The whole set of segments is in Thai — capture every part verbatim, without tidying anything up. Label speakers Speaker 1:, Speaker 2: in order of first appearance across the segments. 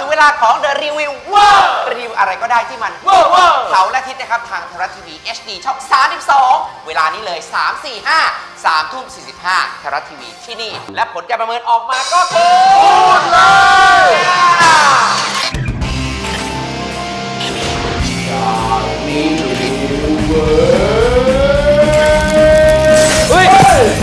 Speaker 1: ถึงเวลาของ The Review ว้าวรีวิวอะไรก็ได้ที่มันว้าวว้าวเสาร์และอาทิตย์นะครับทางไทยรัฐทีวี เอช ดี ช่องสามสิบสองเวลานี้เลยสาม สี่ ห้า สามทุ่มสี่สิบห้าไทยรัฐทีวีที่นี่และผลการประเมินออกมาก็คือพูดเลยเฮ้ย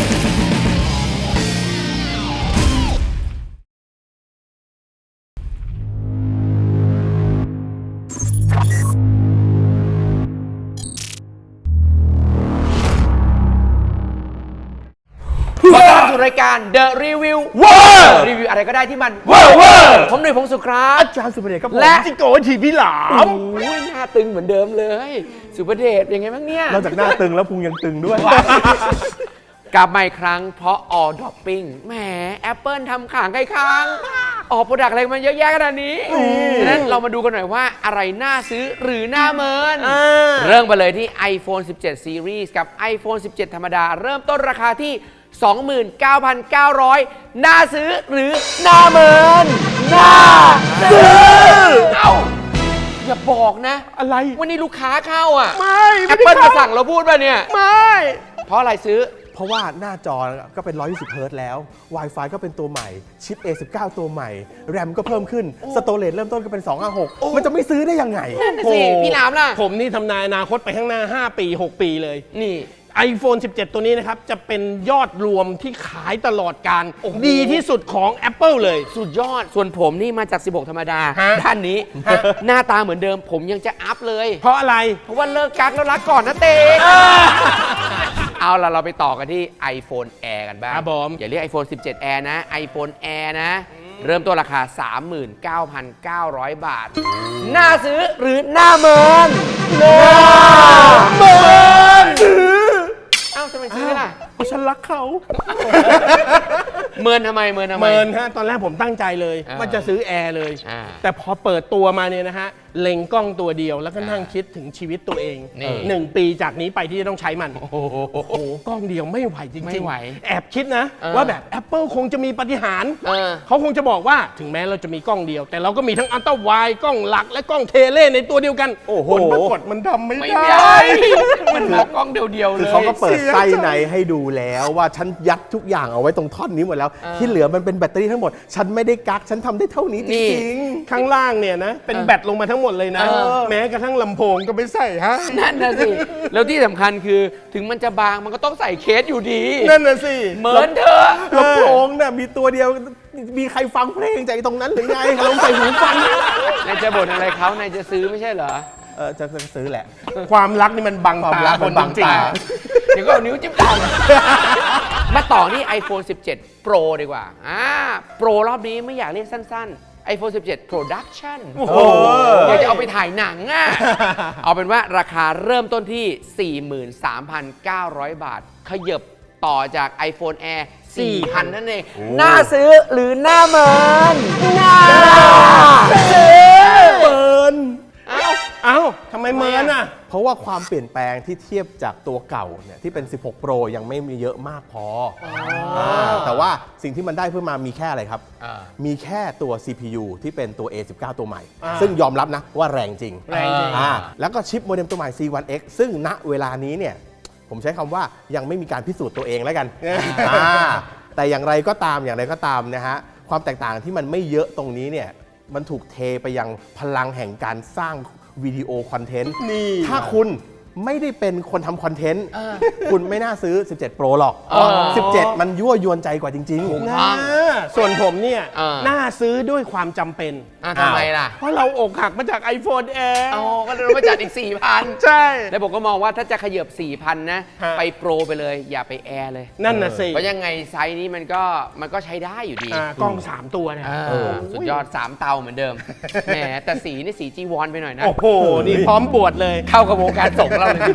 Speaker 1: ขอต้อนรับสู่รายการ The Review ว้าวรีวิวอะไรก็ได้ที่มันว้าวว้าวผมหนุ่ยพงศ์สุขครับ
Speaker 2: อาจารย์สุภเดชครับผม
Speaker 1: และ
Speaker 2: จิโก้ทีพี่หลาม
Speaker 1: โอ้ยหน้าตึงเหมือนเดิมเลยสุภเดชเป็นไงบ้างเนี่ย
Speaker 2: นอกจากหน้าตึงแล้วพุงยังตึงด้วย
Speaker 1: กลับมาอีกครั้งเพราะ All Dropping แหม Apple ทำขางใกล้ค้างออกโปรดักต์อะไรมันเยอะแยะขนาดนี้ฉะนั้นเรามาดูกันหน่อยว่าอะไรน่าซื้อหรือน่าเมินเริ่มไปเลยที่ iPhone สิบเจ็ด Series กับ iPhone สิบเจ็ด ธรรมดาเริ่มต้นราคาที่ สองหมื่นเก้าพันเก้าร้อย น่าซื้อหรือน่าเมินน่าซื้อเอ้าอย่าบอกนะ
Speaker 2: อะไร
Speaker 1: วันนี้ลูกค้าเข้าอ่ะ
Speaker 2: ไม่
Speaker 1: Apple มาสั่งเราพูดป่ะเนี่ย
Speaker 2: ไม่
Speaker 1: เพราะอะไรซื้อ
Speaker 2: เพราะว่าหน้าจอก็เป็นหนึ่งร้อยยี่สิบเฮิร์ตซ์แล้ว Wi-Fi ก็เป็นตัวใหม่ชิป เอ สิบเก้า ตัวใหม่ แรม ก็เพิ่มขึ้นสโตเรจเริ่มต้นก็เป็นสองห้าหกมันจะไม่ซื้อได้ยังไง
Speaker 1: นั่นสิพี่หลามล่ะ
Speaker 3: ผมนี่ทำนายอนาคตไปข้างหน้าห้าปีหกปีเลย
Speaker 1: นี่
Speaker 3: iPhone สิบเจ็ด ตัวนี้นะครับจะเป็นยอดรวมที่ขายตลอดการดีที่สุดของ Apple เลย
Speaker 1: สุดยอดส่วนผมนี่มาจากสิบหกธรรมดาด้านนี้หน้าตาเหมือนเดิมผมยังจะอัพเลย
Speaker 3: เพราะอะไร
Speaker 1: เพราะว่าเลิกกักแล้วรักก่อนนะเต้เอาล่ะเราไปต่อกันที่ iPhone Air กันบ้างอย่าเรียก iPhone สิบเจ็ด Air นะ iPhone Air นะเริ่มต้นราคา สามหมื่นเก้าพันเก้าร้อย บาทน่าซื้อหรือน่าเมินน่าเมินซื้อเอ้าทำไมซื้อล่ะ
Speaker 2: เพราะฉันรักเขา
Speaker 1: เมินทำไมเมินทำไม
Speaker 3: เมินฮะตอนแรกผมตั้งใจเลยว่าจะซื้อแอร์เลยแต่พอเปิดตัวมาเนี่ยนะฮะเล็งกล้องตัวเดียวแล้วก็นั่งคิดถึงชีวิตตัวเองหนึ่งปีจากนี้ไปที่จะต้องใช้มันโอ้โหกล้องเดียวไม่ไหวจริงๆแอบคิดนะว่าแบบ Apple คงจะมีปาฏิหาริย์เขาคงจะบอกว่าถึงแม้เราจะมีกล้องเดียวแต่เราก็มีทั้งอัลตร้าไวด์กล้องหลักและกล้องเทเลในตัวเดียวกัน
Speaker 2: โอ้โห
Speaker 3: ปรากฏมันทำไม่ได้
Speaker 1: มันเอากล้องเดียวๆเลย
Speaker 2: คือเขาก็เปิดไส้ในให้ดูแล้วว่าฉันยัดทุกอย่างเอาไว้ตรงท่อนนี้หมดแล้วที่เหลือมันเป็นแบตเตอรี่ทั้งหมดฉันไม่ได้กักฉันทำได้เท่านี้จริง
Speaker 3: ๆข้างล่างเนี่ยนะเป็นแบตลงมาทั้งหมดเลยนะแม้กระทั่งลำโพงก็ไม่ใส่ฮะ
Speaker 1: นั่นน่ะสิแล้วที่สำคัญคือถึงมันจะบางมันก็ต้องใส่เคสอยู่ดี
Speaker 3: นั่นน่ะสิ
Speaker 1: เหมือนเธอ
Speaker 2: ลำโพงเนี่ยมีตัวเดียวมีใครฟังเพลงจากตรงนั้นหรือไงลองใส่หูฟัง
Speaker 1: นายจะบ่นอะไรเขานายจะซื้อไม่ใช่เหรอ
Speaker 2: เออจะซื้อแหละ
Speaker 3: ความรักนี่มันบังตาคนจริง
Speaker 1: เดี๋ยวก็เอานิ้วจิ้มตามาต่อที่ iPhone สิบเจ็ด Pro ดีกว่าอ่า Pro รอบนี้ไม่อยากเรียกสั้นๆ iPhone สิบเจ็ด Production โอ้โหอยากจะเอาไปถ่ายหนังอ่ะเอาเป็นว่าราคาเริ่มต้นที่ สี่หมื่นสามพันเก้าร้อย บาทขยับต่อจาก iPhone Air สี่พัน นั่นเองน่าซื้อหรือน่าเมินน่าซื้อ
Speaker 2: เมิน
Speaker 1: เอ้า
Speaker 3: เอ้าทำไมเมินอ่ะ
Speaker 2: เพราะว่าความเปลี่ยนแปลงที่เทียบจากตัวเก่าเนี่ยที่เป็นสิบหก Pro ยังไม่มีเยอะมากพอแต่ว่าสิ่งที่มันได้เพิ่มมามีแค่อะไรครับมีแค่ตัว ซี พี ยู ที่เป็นตัว เอ สิบเก้า ตัวใหม่ซึ่งยอมรับนะว่าแรงจริง
Speaker 3: แรงจริง
Speaker 2: แล้วก็ชิปโมเด็มตัวใหม่ ซี วัน เอ็กซ์ ซึ่งณเวลานี้เนี่ยผมใช้คำว่ายังไม่มีการพิสูจน์ตัวเองแล้วกันแต่อย่างไรก็ตามอย่างไรก็ตามนะฮะความแตกต่างที่มันไม่เยอะตรงนี้เนี่ยมันถูกเทไปยังพลังแห่งการสร้างวิดีโอคอนเทนต์ถ้าคุณไม่ได้เป็นคนทำคอนเทนต์คุณไม่น่าซื้อสิบเจ็ด Pro หรอกสิบเจ็ดมันยั่วยวนใจกว่าจริง
Speaker 3: ๆนะส่วนผมเนี่ยน่าซื้อด้วยความจำเป็น
Speaker 1: ทำไมล่ะ
Speaker 3: เพราะเราอกหักมาจาก iPhone Air
Speaker 1: อ๋อก็เลยมาจัดอีก สี่พัน
Speaker 3: ใช่
Speaker 1: แล้วผมก็มองว่าถ้าจะขยับ สี่พัน นะไปโปรไปเลยอย่าไปแอร์เลย
Speaker 3: นั่นน่ะสิ
Speaker 1: เพราะยังไงไซส์นี้มันก็มันก็ใช้ได้อยู่ดี
Speaker 3: กล้องสามตัวเนี่ย
Speaker 1: สุดยอดสามเตาเหมือนเดิมแหมแต่สีนี่สีจีวอนไปหน่อยนะ
Speaker 3: โอ้โหนี่พร้อมบวชเลย
Speaker 1: เข้ากับวงการสงฆ์เราเลย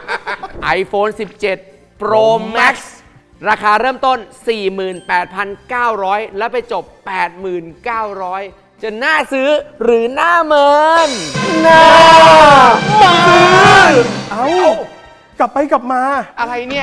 Speaker 1: iPhone สิบเจ็ด Pro Max ราคาเริ่มต้น สี่หมื่นแปดพันเก้าร้อย แล้วไปจบ แปดหมื่นเก้าร้อย จะน่าซื้อหรือน่าเมินน่าเมิน
Speaker 2: เอากลับไปกลับมา
Speaker 1: อะไรเนี่ย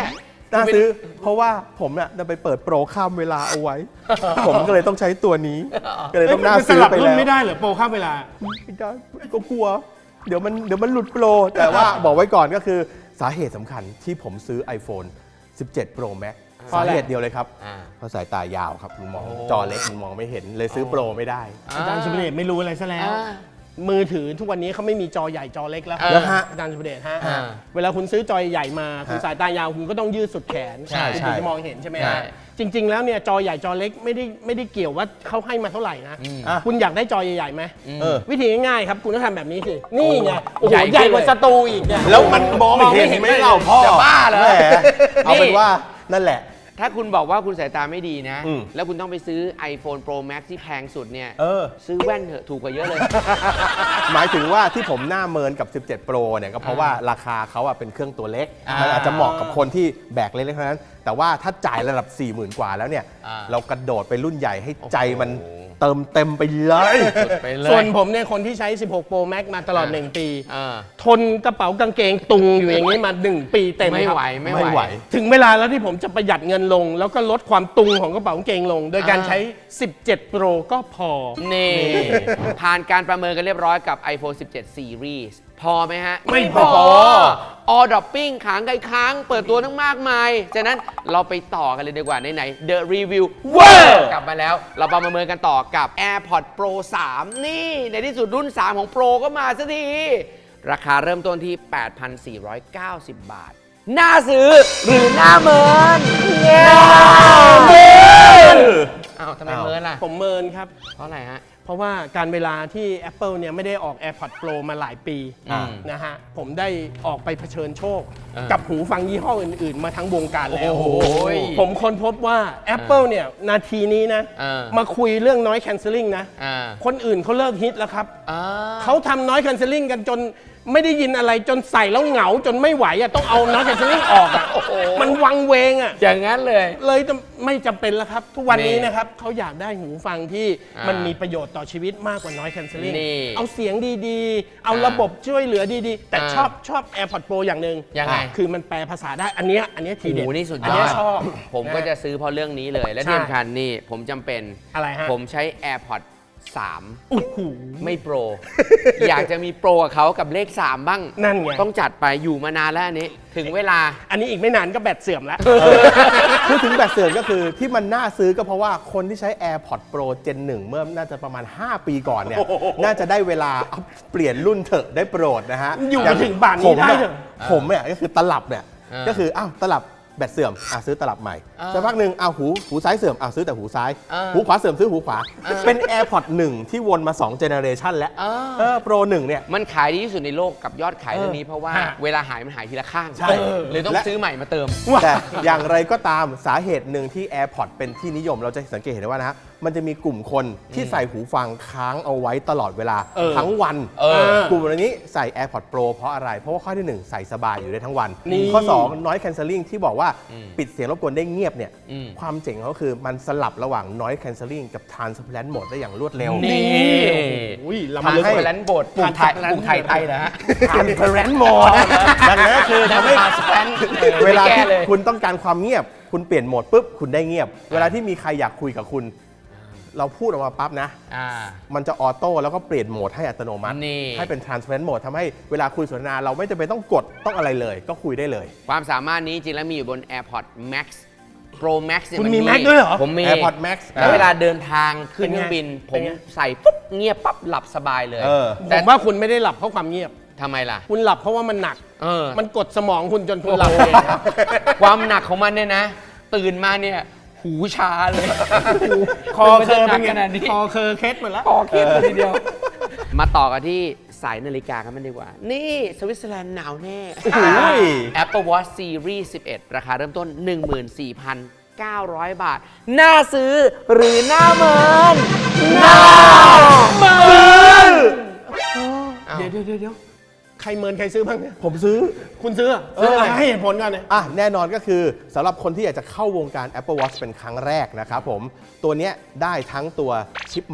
Speaker 2: น่าซื้อเพราะว่าผมเนี่ยจะไปเปิดโปรข้ามเวลาเอาไว้ ผมก็เลยต้องใช้ตัวนี้ ก็เลยต้องน่า
Speaker 3: ส
Speaker 2: ซื้อ
Speaker 3: ลับ
Speaker 2: ไป
Speaker 3: รุ่น
Speaker 2: แล้ว
Speaker 3: ไม่ได้เหรอโปรข้ามเวลา
Speaker 2: ไม่ได้ก็กลัว เดี๋ยวมันเดี๋ยวมันหลุดโปร แต่ว่าบอกไว้ก่อนก็คือสาเหตุสำคัญที่ผมซื้อ iPhone สิบเจ็ด Pro Max
Speaker 3: เพราะ
Speaker 2: สา
Speaker 3: อะไร
Speaker 2: เหตุเดียวเลยครับ
Speaker 1: อ่า
Speaker 2: เพราะสายตายาวครับมันมอง
Speaker 1: โอ้
Speaker 2: จอเล็กมันมองไม่เห็นเลยซื้อโปรไม่ได้
Speaker 3: อาจารย์สุเดชไม่รู้อะไรซะแล้ว
Speaker 1: อ่า
Speaker 3: มือถือทุกวันนี้เขาไม่มีจอใหญ่จอเล็กแล้ว
Speaker 1: แล้วฮะ
Speaker 3: อาจารย์สุเดชฮะ
Speaker 1: อ่า
Speaker 3: เวลาคุณซื้อจอใหญ่มาคุณ
Speaker 2: ฮะ
Speaker 3: สายตายาวคุณก็ต้องยืดสุดแขน
Speaker 1: ใช่
Speaker 3: คุณ
Speaker 2: ใช่
Speaker 3: ถึงจะมองเห็นใช่ไหม
Speaker 1: ใช่
Speaker 3: ฮะจริง ๆ แล้วเนี่ยจอใหญ่จอเล็กไม่ได้ไม่ได้เกี่ยวว่าเขาให้มาเท่าไหร่นะ
Speaker 2: อ่ะ
Speaker 3: คุณอยากได้จอใหญ่ๆไหม
Speaker 2: เออ
Speaker 3: วิธีง่ายๆครับคุณต้องทำแบบนี้สินี่ไงโอ้โห
Speaker 1: ใหญ่ขึ้น
Speaker 3: ใหญ่กว่า
Speaker 1: เลย
Speaker 3: สตูอีกเนี่ย
Speaker 2: แล้วมันมองไม่เห็นไหม่เราพ่อ
Speaker 1: จะบ้าเหรอ
Speaker 2: แหมเอาเป็น
Speaker 1: นี่
Speaker 2: ว่านั่นแหละ
Speaker 1: ถ้าคุณบอกว่าคุณสายตาไม่ดีนะ
Speaker 2: อืม
Speaker 1: แล้วคุณต้องไปซื้อ iPhone Pro Max ที่แพงสุดเนี่ย
Speaker 2: เออ
Speaker 1: ซื้อแว่นเถอะถูกกว่าเยอะเลย
Speaker 2: หมายถึงว่าที่ผมหน้าเมินกับ สิบเจ็ด Pro เนี่ยก็เพราะว่าราคาเขาอะเป็นเครื่องตัวเล็ก
Speaker 1: อ่ามั
Speaker 2: มันอาจจะเหมาะกับคนที่แบกเล็กๆเท่านั้น แต่ว่าถ้าจ่ายระดับ สี่หมื่น กว่าแล้วเนี่ย
Speaker 1: อ่า
Speaker 2: เรากระโดดไปรุ่นใหญ่ให้ใจมัน
Speaker 1: โอ้โห
Speaker 2: เติมเต็มไปเลย
Speaker 1: สุดไปเลย
Speaker 3: ส่วนผมเนี่ยคนที่ใช้ สิบหก Pro Max มาตลอด
Speaker 1: อ่า
Speaker 3: หนึ่ง ปี
Speaker 1: อ่า
Speaker 3: ทนกระเป๋ากางเกงตุงอยู่อย่างนี้มา หนึ่ง ปีเต็ม
Speaker 1: ไม่
Speaker 3: ครับ
Speaker 1: ไหวไม่
Speaker 2: ไม่
Speaker 1: ไห
Speaker 2: ไห
Speaker 1: ว
Speaker 2: ว
Speaker 3: ถึงเวลาแล้วที่ผมจะประหยัดเงินลง แล้วก็ลดความตุงของกระเป๋ากางเกงลง โดยการ
Speaker 1: อ่า
Speaker 3: ใช้ สิบเจ็ด Pro ก็พอ
Speaker 1: นี่ ผ่านการประเมินกันเรียบร้อยกับ iPhone สิบเจ็ด Series พอไหมฮะ
Speaker 3: ไม่พอ
Speaker 1: ออดอปปิ้งขางไกลค้าง เปิดตัวทั้งมากมาย ฉะนั้นเราไปต่อกันเลยดีกว่าไหนๆ The Review เวอร์กลับมาแล้ว เราประเมินกันต่อกับ AirPods Pro สาม นี่ ในที่สุดรุ่น สาม ของ Pro ก็มาสักที ราคาเริ่มต้นที่ แปดพันสี่ร้อยเก้าสิบ บาท น่าซื้อหรือน่าเมินน่าเมินอ้าวทำไมเมินล่ะ
Speaker 3: ผมเมินครับ
Speaker 1: เพราะอะไรฮะ
Speaker 3: เพราะว่าการเวลาที่ Apple เนี่ยไม่ได้ออก AirPods Pro มาหลายปี
Speaker 1: อืม
Speaker 3: นะฮะ ผมได้ออกไปเผชิญโชค
Speaker 1: อ่ากั
Speaker 3: กับหูฟังยี่ห้ออื่น ๆ มาทั้งวงการแล้ว
Speaker 1: โอ้โห
Speaker 3: ผมค้นพบว่า Apple เนี่ยนาทีนี้นะ
Speaker 1: อ่า
Speaker 3: มาคุยเรื่อง noise cancelling นะ
Speaker 1: อ่า
Speaker 3: คนอื่นเขาเลิกฮิตแล้วครับ
Speaker 1: อ่า
Speaker 3: เขาทำ noise cancelling กันจนไม่ได้ยินอะไรจนใส่แล้วเหงาจนไม่ไหวอ่ะต้องเอา noise cancelling ออกอ่ะ
Speaker 1: โอ้โห
Speaker 3: มันวังเวงอ่ะ
Speaker 1: อย่างนั้นเลย
Speaker 3: เลยจะไม่จำเป็นแล้วครับ ทุกวันนี้
Speaker 1: นี่
Speaker 3: นะครับเขาอยากได้หูฟังที่
Speaker 1: อ่ามั
Speaker 3: มันมีประโยชน์ต่อชีวิตมากกว่า noise cancelling
Speaker 1: นี่
Speaker 3: เอาเสียงดีๆ เอา
Speaker 1: อ่า
Speaker 3: ระบบช่วยเหลือดีๆ แต่
Speaker 1: อ่า
Speaker 3: ชอบชอบ AirPods Pro อย่างหนึ่ง
Speaker 1: ยังไง
Speaker 3: คือมันแปลภาษาได้อันเนี้ยอันเนี้ยที
Speaker 1: โอ้โห
Speaker 3: เด็ด
Speaker 1: นี่สุดย
Speaker 3: อัน
Speaker 1: อ
Speaker 3: เนี้
Speaker 1: ด
Speaker 3: ยชอบ
Speaker 1: ผมก็จะซื้อเพราะเรื่องนี้เลย และ
Speaker 3: ใช่
Speaker 1: ที่สำคัญนี่ผมจำเป็น
Speaker 3: อะไรฮะ
Speaker 1: ผมใช้ AirPods สาม
Speaker 3: โอ้โห
Speaker 1: ไม่โปร อยากจะมีโปรกับเขากับเลข สาม บ้าง
Speaker 3: นั่นไง
Speaker 1: ต้องจัดไปอยู่มานานแล้วอันนี้ ถึงเวลา
Speaker 3: อันนี้อีกไม่นานก็แบตเสื่อมแล้ว
Speaker 2: พูดถึงแบตเสื่อมก็คือที่มันน่าซื้อก็เพราะว่าคนที่ใช้ AirPods Pro Gen หนึ่ง เมื่อน่าจะประมาณ ห้า ปีก่อนเนี่ย น่าจะได้เวลาอัพเปลี่ยนรุ่นเถอะได้โปรดนะฮะ
Speaker 3: อยู่มาถึงป่านนี้
Speaker 2: ผม
Speaker 3: ได้
Speaker 2: อะ
Speaker 3: เหรอ
Speaker 2: ผมเนี่ยก็คือตลับเนี่ย
Speaker 1: อ่า
Speaker 2: ก็คืออ้าวตลับแบตเสื่อมอ่ะซื้อตลับใหม่
Speaker 1: อ่า
Speaker 2: สักพักหนึ่งอ้าวหูหูซ้ายเสื่อมอ่ะซื้อแต่หูซ้าย
Speaker 1: อ่า
Speaker 2: หูขวาเสื่อมซื้อหูขวา
Speaker 1: อ่า
Speaker 2: เป็น AirPods หนึ่ง ที่วนมาสองเจเนอเรชันแล้ว
Speaker 1: อ่า
Speaker 2: เออโปรหนึ่งเนี่ย
Speaker 1: มันขายดีที่สุดในโลกกับยอดขายเรื่องนี้เพราะว่า
Speaker 3: ฮะ
Speaker 1: เวลาหายมันหายทีละข้าง
Speaker 2: ใช่
Speaker 1: เลยต้อง
Speaker 2: และ
Speaker 1: ซื้อใหม่มาเติม
Speaker 2: แต่อย่างไรก็ตามสาเหตุหนึ่งที่ AirPods เป็นที่นิยมเราจะสังเกตเห็นได้ว่านะฮะมันจะมีกลุ่มคนที่ใส่หูฟังค้างเอาไว้ตลอดเวลา
Speaker 3: เออ
Speaker 2: ทั้งวัน
Speaker 1: เออ
Speaker 2: กลุ่มเหล่านี้ใส่ AirPods Pro เพราะอะไร เพราะว่าข้อที่หนึ่งใส่สบายอยู่ได้ทั้งวัน
Speaker 3: นี่
Speaker 2: ข้อสอง noise cancelling ที่บอกว่าปิดเสียงรบกวนได้เงียบเนี่ย
Speaker 1: อืม
Speaker 2: ความเจ๋งของเขาคือมันสลับระหว่าง noise cancelling กับ transparent mode ได้อย่างรวดเร็ว
Speaker 1: นี่
Speaker 3: อุ้ย
Speaker 1: ทำ
Speaker 3: ล้ำลึก
Speaker 1: ให้
Speaker 3: กว่า
Speaker 1: แลนด์โบดปลูกไทยปลูกไทยไทยนะฮะ
Speaker 2: transparent mode ดังนั้นคือทำให้
Speaker 1: transparent
Speaker 2: เวลา
Speaker 1: ไม่แก้
Speaker 2: ที่
Speaker 1: เลย
Speaker 2: คุณต้องการความเงียบ คุณเปลี่ยนโหมดปุ๊บคุณได้เงียบ เวลาที่มีใครอยากคุยกับคุณ เราพูดออกมาปั๊บนะ
Speaker 1: อ่า
Speaker 2: มันจะออโต้แล้วก็เปลี่ยนโหมดให้อัตโนมัติ
Speaker 1: นี่
Speaker 2: ให้เป็น transparent mode ทำให้เวลาคุยสนทนาเราไม่จำเป็นต้องกดต้องอะไรเลย ก็คุยได้เลย
Speaker 1: ความสามารถนี้จริงแล้วมีอยู่บน AirPods Max Pro Max เนี่ย
Speaker 3: คุณ
Speaker 1: น
Speaker 3: มี Max ด้วยเหรอ
Speaker 1: ผมมี
Speaker 2: AirPods Max
Speaker 1: แล้วเวลาเดินทางขึ้น
Speaker 3: เป็น
Speaker 1: เค
Speaker 3: ไง
Speaker 1: รื่องบิน ผ
Speaker 3: เป็น
Speaker 1: ม
Speaker 3: ไง
Speaker 1: ใส่ปุ๊บเงียบปั๊บหลับสบายเลย
Speaker 2: เออ
Speaker 3: ผ
Speaker 1: แต่
Speaker 3: มว่าคุณไม่ได้หลับเพราะความเงียบ
Speaker 1: ทำไมล่ะ
Speaker 3: คุณหลับเพราะว่ามันหนัก
Speaker 1: เออ
Speaker 3: มันกดสมองคุณจนคุณหลับเองครับ
Speaker 1: ความหนักของมันเนี่ยนะ ตื่นมาเนี่ยหูชาเลย
Speaker 3: คอเคอ
Speaker 1: มั
Speaker 3: เป็น น
Speaker 1: จะหนัก
Speaker 3: ไง
Speaker 1: ขนาดนี้
Speaker 3: คอเคอเคสหมดแล้ว
Speaker 1: คอเครียดเลยทีเดียว มาต่อกันที่สายนาฬิกากันมันดีกว่า นี่สวิตเซอร์แลนด์หนาวแน่
Speaker 2: โอ้โห
Speaker 1: Apple Watch Series สิบเอ็ด ราคาเริ่มต้น หนึ่งหมื่นสี่พันเก้าร้อย บาท น่าซื้อหรือน่าเมินน่าเมิน
Speaker 3: เดี๋ยวเดี๋ยวเดี๋ยวใครเมินใครซื้อบ้างเนี่ย
Speaker 2: ผมซื้อ
Speaker 3: คุณซื้อเหรอซื้ออะไรให้เหตุผลกันเนี่ย
Speaker 2: อ่ะแน่นอนก็คือสำหรับคนที่อยากจะเข้าวงการ Apple Watch เป็นครั้งแรกนะครับผม ตัวเนี้ยได้ทั้งตัวชิปใหม่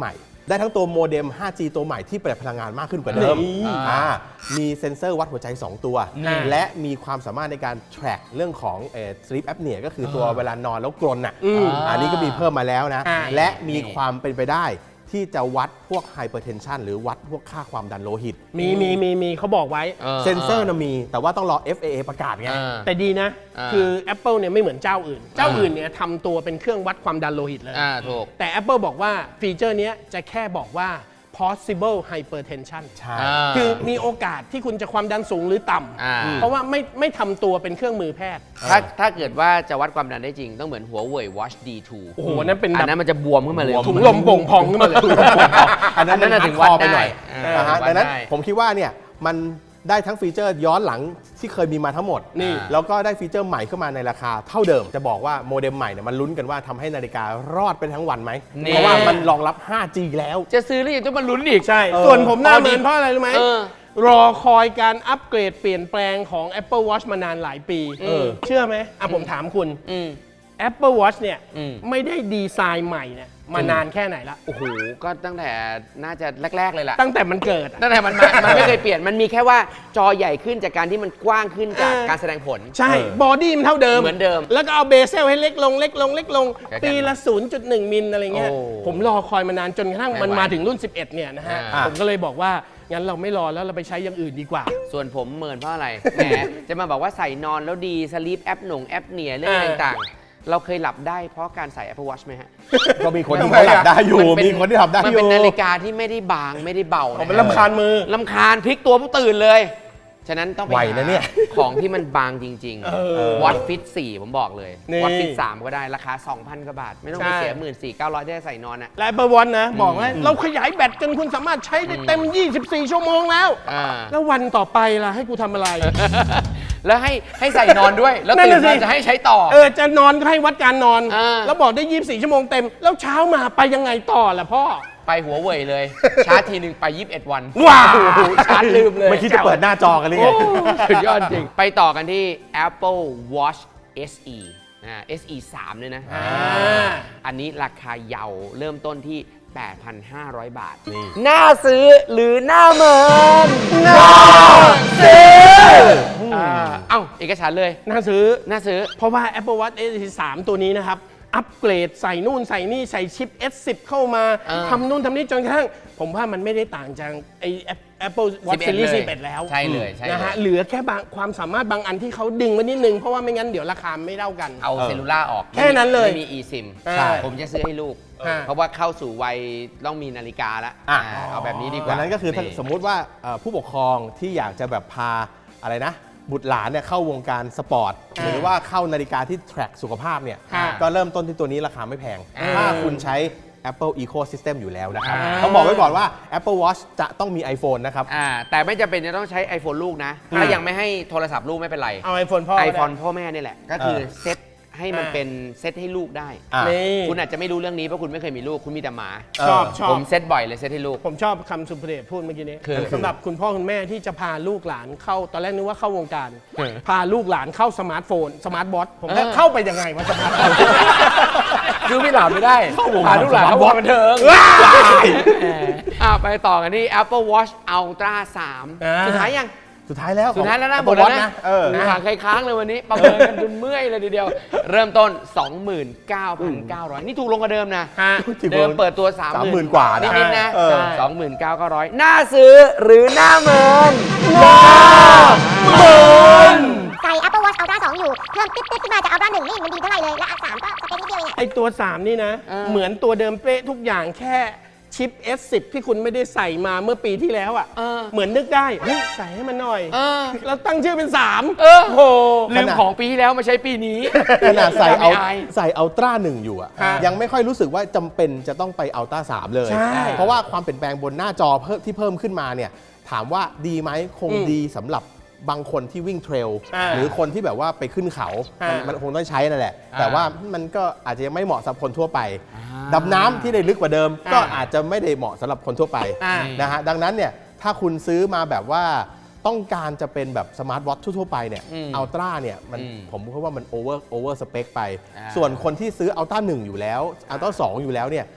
Speaker 2: ได้ทั้งตัวโมเด็ม ห้าจี ตัวใหม่ที่ประหยัดพลังงานมากขึ้นกว่าเดิม
Speaker 3: นี่
Speaker 2: อ่ามีเซ็นเซอร์วัดหัวใจ สอง ตัว
Speaker 3: นี่
Speaker 2: และมีความสามารถในการ track เรื่องของเอ่อ sleep apnea ก็คือตัวเวลานอนแล้วกรนอ่ะ
Speaker 3: อืม
Speaker 2: อันนี้ก็มีเพิ่มมาแล้วนะ
Speaker 3: อ่า
Speaker 2: และมีความเป็นไปได้ที่จะวัดพวก hypertension หรือวัดพวกค่าความดันโลหิต
Speaker 3: มีมีมีมีเขาบอกไว้
Speaker 2: เซ็นเซอร์นะมี แต่ว่าต้องรอ เอฟ เอ เอ ประกาศไง
Speaker 1: อ่า
Speaker 3: แต่ดีนะ
Speaker 1: อ่า
Speaker 3: คือ Apple เนี่ยไม่เหมือนเจ้าอื่น เจ้าอื่นเนี่ยทำตัวเป็นเครื่องวัดความดันโลหิตเลย
Speaker 1: อ่าถูก
Speaker 3: แต่ Apple บอกว่าฟีเจอร์เนี้ยจะแค่บอกว่า possible hypertension
Speaker 2: ใช่
Speaker 3: คือมีโอกาสที่คุณจะความดันสูงหรือต่
Speaker 1: อ่า
Speaker 3: ำเพราะว่าไม่ไม่ทำตัวเป็นเครื่องมือแพทย์
Speaker 1: ถ้าถ้าเกิดว่าจะวัดความดันได้จริง ต้องเหมือนหัวเว่ย Watch ดี ทู
Speaker 3: โอ้โหนั่นเป็น
Speaker 1: อั
Speaker 3: แบ
Speaker 1: น
Speaker 3: บ
Speaker 1: นั้นมันจะบวมขึ้นมาเลย
Speaker 3: ถุงลมโป่งพองขึ้นมาเลย
Speaker 2: อันนั้น
Speaker 1: อันนั้น
Speaker 2: มั
Speaker 1: น่ะถึง
Speaker 2: hardcore
Speaker 1: วัด
Speaker 2: ไปหน่อย
Speaker 1: ได้
Speaker 2: นะฮะ
Speaker 1: วัด
Speaker 2: ดังนั้น
Speaker 1: ได้
Speaker 2: ผมคิดว่าเนี่ยมันได้ทั้งฟีเจอร์ย้อนหลังที่เคยมีมาทั้งหมด
Speaker 3: นี่
Speaker 2: แล้วก็ได้ฟีเจอร์ใหม่เข้ามาในราคาเท่าเดิม จะบอกว่าโมเด็มใหม่เนี่ยมันลุ้นกันว่าทำให้นาฬิการอดไปทั้งวันไหม
Speaker 1: นี่
Speaker 2: เพราะว่ามันรองรับ ห้าจี แล้ว
Speaker 1: จะซื้อแล้วยังต้องมาลุ้นอีก
Speaker 3: ใช่
Speaker 2: เออ
Speaker 3: ส่วนผมหน้าเมินเพราะอะไรรู้ไหม
Speaker 1: เออ
Speaker 3: รอคอยการอัปเกรดเปลี่ยนแปลงของ Apple Watch มานานหลายปี
Speaker 2: เออ
Speaker 3: เชื่อไหมอ่ะผมถามคุณ
Speaker 1: อืม
Speaker 3: Apple Watch เนี่ย
Speaker 1: อืม
Speaker 3: ไม่ได้ดีไซน์ใหม่เนี่ยมานานแค่ไหนละ
Speaker 1: โอ้โห ก็ตั้งแต่น่าจะแรก ๆ เลยล่ะ
Speaker 3: ตั้งแต่มันเกิดอะ
Speaker 1: ตั้งแต่มันมามันไม่เคยเปลี่ยน มันมีแค่ว่าจอใหญ่ขึ้นจากการที่มันกว้างขึ้นจาก
Speaker 3: เออ
Speaker 1: การแสดงผล
Speaker 3: ใช่
Speaker 2: เออ
Speaker 3: บอดี้มันเท่าเดิม
Speaker 1: เหมือนเดิม
Speaker 3: แล้วก็เอาเบเซลให้เล็กลงเล็กลงเล็กลง
Speaker 1: แค่นั้น
Speaker 3: ปีละ ศูนย์จุดหนึ่ง มิลอะไรเงี้ย
Speaker 1: โอ้
Speaker 3: ผมรอคอยมานานจนกระทั่ง
Speaker 1: ไม่
Speaker 3: มัน
Speaker 1: ไหว
Speaker 3: มาถึงรุ่น สิบเอ็ด เนี่ยนะฮะ
Speaker 1: อ่า
Speaker 3: ผมก็เลยบอกว่า งั้นเราไม่รอแล้วเราไปใช้อย่างอื่นดีกว่า
Speaker 1: ส่วนผมเมินเพราะอะไร แหม จะมาบอกว่าใส่นอนแล้วดีสลีปแอปหนงแอปเนียเรื่องอะไร
Speaker 3: เออ
Speaker 1: ต่างๆ เราเคยหลับได้เพราะการใส่ Apple Watch ไหมฮะ
Speaker 2: ก็มีคนที่เขาหลับได้อยู่
Speaker 1: นเป็
Speaker 2: มีคนที่ทำได้
Speaker 1: มัน
Speaker 2: อยู่
Speaker 1: เป็นนาฬิกาที่ไม่ได้บางไม่ได้เบา
Speaker 3: ผม
Speaker 1: นะ
Speaker 3: เป็นลำคาญมือ
Speaker 1: ลำคาญพลิกตัวผู้ตื่นเลย ฉะนั้นต้องไป
Speaker 2: ไหว
Speaker 1: หา
Speaker 2: นะเนี่ย
Speaker 1: ของที่มันบางจริง
Speaker 3: เออ
Speaker 1: ๆ Watch Fit สี่ผมบอกเลย
Speaker 3: นี่
Speaker 1: Watch Fit สามก็ได้ราคา สองพัน กว่าบาท ไม่ต้องไป
Speaker 3: ใช่
Speaker 1: เสีย หนึ่งหมื่นสี่พันเก้าร้อย ได้ใส่นอนอ่ะ
Speaker 3: และ Apple Watch นะ บอกว่าเราขยายแบตจนคุณสามารถใช้ได้เต็ม ยี่สิบสี่ ชั่วโมงแล้ว
Speaker 1: อ่า
Speaker 3: แล้ววันต่อไปล่ะให้กูทำอะไร
Speaker 1: แล้วให้ให้ใส่นอนด้วย แล้ว
Speaker 3: นั่น
Speaker 1: ตื่น
Speaker 3: น่ะสิ
Speaker 1: มาจะให้ใช้ต่อ
Speaker 3: เออจะนอนก็ให้วัดการนอน
Speaker 1: อ่า
Speaker 3: แล้วบอกได้ ยี่สิบสี่ ชั่วโมงเต็ม แล้วเช้ามาไปยังไงต่อล่ะพ่อ
Speaker 1: ไปหัวเว่ยเลย ชาร์จทีหนึ่งไป ยี่สิบเอ็ด วัน
Speaker 3: ว้าว
Speaker 1: ชาร์จลืมเลย
Speaker 2: ไม่คิดจะเปิดหน้าจอกันเลยไง
Speaker 1: สุดยอดจริง ไปต่อกันที่ Apple Watch เอส อี นะ เอส อี สาม ด้วยนะ
Speaker 3: อ่า
Speaker 1: อันนี้ราคาเยาว์เริ่มต้นที่ แปดพันห้าร้อย บาท
Speaker 2: นี่
Speaker 1: น่าซื้อหรือน่าเมินน่าซื้ออ่าเอ้า เอกสารเลย
Speaker 3: น่าซื้อ
Speaker 1: น่าซื้อ
Speaker 3: เพราะว่า Apple Watch เอส อี สาม ตัวนี้นะครับ อัปเกรดใส่นู่นใส่นี่ใส่ชิป เอส สิบ เข้ามา
Speaker 1: เออ
Speaker 3: ทำนู่นทำนี่จนกระทั่ง ผมว่ามันไม่ได้ต่างจากไอ Apple Watch
Speaker 1: สิบเอ็ด
Speaker 3: Series
Speaker 1: เลย
Speaker 3: สิบเอ็ด แล้ว
Speaker 1: ใช่เลยใช่เลย
Speaker 3: นะฮะเหลือแค่บางความสามารถบางอันที่เขาดึงไว้นิดนึง เพราะว่าไม่งั้นเดี๋ยวราคาไม่เท่ากัน
Speaker 1: เอา
Speaker 2: เออ
Speaker 1: เซลลูล่าออก
Speaker 3: แค่นั้นเลย
Speaker 1: ไม่มี eSIM
Speaker 3: ใช่
Speaker 1: ผมจะซื้อให้ลูก
Speaker 3: อ่า
Speaker 1: เพราะว่าเข้าสู่วัยต้องมีนาฬิกาแล้ว
Speaker 2: อ่ะ
Speaker 1: อ่าเอาแบบนี้ดีกว่า
Speaker 2: ดังนั้นก็คือถ้าสมมุติว่าเอ่อผู้ปกครองที่อยากจะแบบพาอะไรนะ บุตรหลานเนี่ยเข้าวงการสปอร์ต
Speaker 3: อ่า
Speaker 2: หรือว่าเข้านาฬิกาที่ track สุขภาพเนี่ย
Speaker 3: อ่า
Speaker 2: ก็เริ่มต้นที่ตัวนี้ราคาไม่แพง
Speaker 1: อ่า
Speaker 2: ถ้าคุณใช้ Apple Ecosystem อยู่แล้วนะครับ
Speaker 1: อ่า
Speaker 2: ต้องบอกไว้ก่อนว่า Apple Watch จะต้องมี iPhone นะครับ
Speaker 1: อ่าแต่ไม่จำเป็นจะต้องใช้ iPhone ลูกนะ
Speaker 3: อ่า
Speaker 1: ถ้ายังไม่ให้โทรศัพท์ลูกไม่เป็นไร
Speaker 3: เอา iPhone พ่อ
Speaker 1: ไอโฟนพ่อแม่นี่แหละ ก็คือ
Speaker 2: เออ
Speaker 1: เซตให้มัน
Speaker 3: อ่า
Speaker 1: เป็นเซตให้ลูกได้
Speaker 2: อ่ะ
Speaker 3: นี่
Speaker 1: คุณอาจจะไม่รู้เรื่องนี้เพราะคุณไม่เคยมีลูก คุณมีแต่หมา
Speaker 3: ชอบ
Speaker 2: เออ
Speaker 3: ชอบ
Speaker 1: ผมเซตบ่อยเลยเซตให้ลูก
Speaker 3: ผมชอบคำสุภเดชพูดเมื่อกี้นี้
Speaker 1: คือ
Speaker 3: สำหรับคุณพ่อคุณแม่ที่จะพาลูกหลานเข้าตอนแรกนึกว่าเข้าวงการ
Speaker 1: เออ
Speaker 3: พาลูกหลานเข้าสมาร์ทโฟน สมาร์ทบอทผม
Speaker 1: เออ
Speaker 3: เข้าไปยังไงวะสมาร์ทโฟน
Speaker 1: คือพี่หลานไม่ได้
Speaker 2: เข้าวง
Speaker 1: พาลูกหลานเข้าวงบันเทิงอ่าไปต่อกันที่ Apple Watch Ultra สาม
Speaker 3: อ่า
Speaker 1: สุดท้ายยัง
Speaker 2: สุดท้ายแล้ว
Speaker 1: สุดท้ายแล้วนะ
Speaker 2: ของ
Speaker 1: หมดแล้ว
Speaker 2: Apple
Speaker 1: นะ
Speaker 2: Watch เออ
Speaker 1: หาใครค้างเลยวันนี้ ประเมินกันจนเมื่อยเลยทีเดียว เริ่มต้น สองหมื่นเก้าพันเก้าร้อย นี่ถูกลงกว่าเดิมนะ
Speaker 3: ฮะ
Speaker 1: เดิมเปิดตัว
Speaker 2: สามหมื่นกว่านะ
Speaker 1: นิดๆนะ
Speaker 2: เออ
Speaker 1: สองหมื่นเก้าพันเก้าร้อยน่าซื้อหรือน่าเมินน่าเมิน
Speaker 4: ใส่ Apple Watch Ultra สอง อยู่ เพิ่มติ๊ดติ๊ดขึ้นมาจาก Ultra หนึ่งนี่มันดีเท่าไหร่เลย และ สาม ก็สเปคนิดเดียวเองอะ
Speaker 3: ไอตัว สาม นี่นะ
Speaker 1: เออ
Speaker 3: เหมือนตัวเดิมเป๊ะทุกอย่างแค่ชิป เอส สิบ ที่คุณไม่ได้ใส่มาเมื่อปีที่แล้วอ่ะ
Speaker 1: เออ
Speaker 3: เหมือนนึกได้เฮ้ยใส่ให้มันหน่อย
Speaker 1: เออ
Speaker 3: แล้วตั้งชื่อเป็น สาม
Speaker 1: เออ
Speaker 3: โอ้โห
Speaker 1: ลืมของปีที่แล้วมาใช้ปีนี้
Speaker 2: ขนาดใส่เอา
Speaker 1: ไม่อาย
Speaker 2: ใส่อัลตร้าหนึ่งอยู่อะ
Speaker 3: ฮะ
Speaker 2: ยังไม่ค่อยรู้สึกว่าจำเป็นจะต้องไปอัลตร้าสามเลย
Speaker 3: ใช่
Speaker 2: เพราะว่าความเปลี่ยนแปลงบนหน้าจอเพิ่มที่เพิ่มขึ้นมาเนี่ยถามว่าดีไหมคง
Speaker 3: อืม
Speaker 2: ดีสำหรับบางคนที่วิ่งเทรล
Speaker 3: อ่า
Speaker 2: หรือคนที่แบบว่าไปขึ้นเขา
Speaker 3: อ่ามั
Speaker 2: มันมันคงต้องใช้นั่นแหละ
Speaker 1: อ่า
Speaker 2: แต่ว่ามันก็อาจจะยังไม่เหมาะสำหรับคนทั่วไป
Speaker 1: อ่า
Speaker 2: ดำน้ำที่ได้ลึกกว่าเดิม
Speaker 3: อ่า
Speaker 2: ก็อาจจะไม่ได้เหมาะสำหรับคนทั่วไป
Speaker 3: อ่า
Speaker 2: นะฮะดังนั้นเนี่ยถ้าคุณซื้อมาแบบว่าต้องการจะเป็นแบบสมาร์ทวอททั่วๆไปเนี่ย
Speaker 1: อืม
Speaker 2: อัลตร้าเนี่ยมัน
Speaker 1: อืม
Speaker 2: ผมคิดว่ามันโอเวอร์โอเวอร์สเปคไป
Speaker 1: อ่า
Speaker 2: ส่วนคนที่ซื้ออัลต้าหนึ่งอยู่แล้วอัลต้าสองอยู่แล้วเนี่ย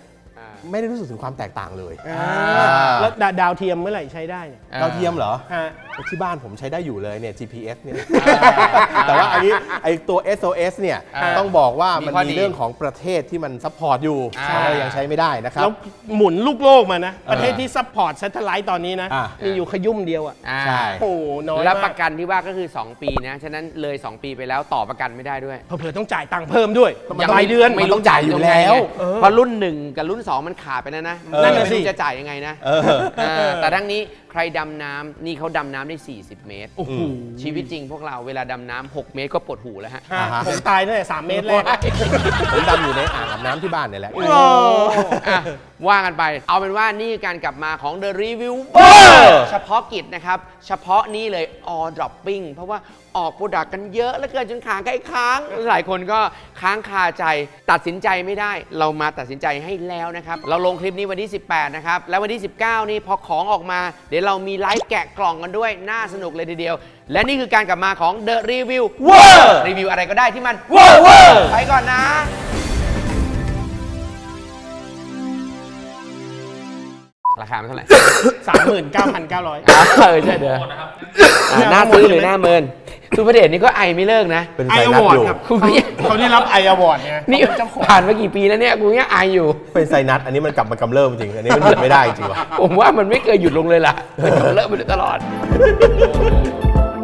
Speaker 2: ไม่ได้รู้สึกถึงความแตกต่างเลย
Speaker 3: อ่าแล้วดาดาวเทียมเมื่อไหร่ใช้ได้เนี่ย
Speaker 2: ดาวเทียมเหรอ
Speaker 3: ฮะ
Speaker 2: ที่บ้านผมใช้ได้อยู่เลยเนี่ย จี พี เอส เนี่ย แต่ว่าอันนี้ไอตัว เอส โอ เอส เนี่ย
Speaker 1: อ่า
Speaker 2: ต้องบอกว่ามัน
Speaker 1: มีข้อดี
Speaker 2: มีเรื่องของประเทศที่มันซัพพอร์ตอยู่
Speaker 1: อ่า
Speaker 2: ก็เลยยังใช้ไม่ได้นะครับ
Speaker 3: แล้วหมุนลูกโลกมานะ ประเทศที่ซัพพอร์ต ซัตเทไลท์ตอนนี้นะ
Speaker 2: อ่ามี
Speaker 3: มีอยู่ขยุ่มเดียวอ่ะ
Speaker 1: อ่า
Speaker 2: ใช่
Speaker 3: โอ้โหน้อย
Speaker 1: แล้ว
Speaker 3: มา
Speaker 1: ป
Speaker 3: ก
Speaker 1: ระกันที่ว่าก็คือ สอง ปีนะ ฉะนั้นเลย สอง ปีไปแล้วต่อประกันไม่ได้ด้วย
Speaker 3: เผื่อๆต้องจ่ายตังค์เพิ่มด้วย
Speaker 1: ยัง
Speaker 3: รายเดือน
Speaker 2: มันต้องจ่ายอยู่แล้ว
Speaker 1: เออเพราะรุ่นหนึ่งกับรุ่นสองมันขาดไปแล้วนะ
Speaker 2: เออ
Speaker 1: นั่นน่ะสิจะจ่ายยังไงนะ
Speaker 2: เออ
Speaker 1: เออแต่ทั้งนี้ใครดำน้ำนี่เขาดำน้ำได้ สี่สิบ เมตร
Speaker 3: โอ้โห
Speaker 1: ชีวิตจริงพวกเราเวลาดำน้ำหกเมตรก็ปวดหูแล้วฮะ
Speaker 3: ฮะ
Speaker 2: อ่าฮะ
Speaker 3: ผมตายตั้งแต่สามเมตรแรก
Speaker 2: ผมดำอยู่ในอ่างอาบน้ำที่บ้านเนี่ยแหละ
Speaker 1: อ่ะว่ากันไป เอาเป็นว่านี่คือการกลับมาของ The Review เฉพาะกิจนะครับ เฉพาะนี่เลย All Dropping เพราะว่าออกโปรดักต์กันเยอะแล้วเกินจนขาใกล้ค้าง หลายคนก็ค้างคาใจตัดสินใจไม่ได้ เรามาตัดสินใจให้แล้วนะครับ เราลงคลิปนี้วันที่ สิบแปด นะครับ แล้ววันที่ สิบเก้า นี่พอของออกมา เดี๋ยวเรามีไลฟ์แกะกล่องกันด้วย น่าสนุกเลยทีเดียว และนี่คือการกลับมาของ The Review รีวิวอะไรก็ได้ที่มันไปก่อนนะ ราคามันเท่าไหร่
Speaker 3: สามหมื่นเก้าพันเก้าร้อย
Speaker 1: เออใช่เด้ออ่าหน้าซื้อหรือหน้าเมินสุภเดชนี่ก็ไอไม่เลิกนะ
Speaker 2: เป็น
Speaker 3: ไอ
Speaker 2: ไซ
Speaker 3: อ
Speaker 2: นัส
Speaker 3: วอร์
Speaker 2: อ
Speaker 3: ด
Speaker 2: ยู่
Speaker 3: ครับ
Speaker 1: คุณก็ยัง
Speaker 3: เขาได้รับไออวอร์ดไง
Speaker 1: นี่ผ่านมากี่ปีแล้วเนี่ยกูยังไออยู่
Speaker 2: เป็นไซนัสอันนี้มันกลับมากำเริบจริง อันนี้มันหยุดไม่ได้จริงวะ
Speaker 1: ผมว่ามันไม่เคยหยุดลงเลยล่ะมันกำเริบไปตลอด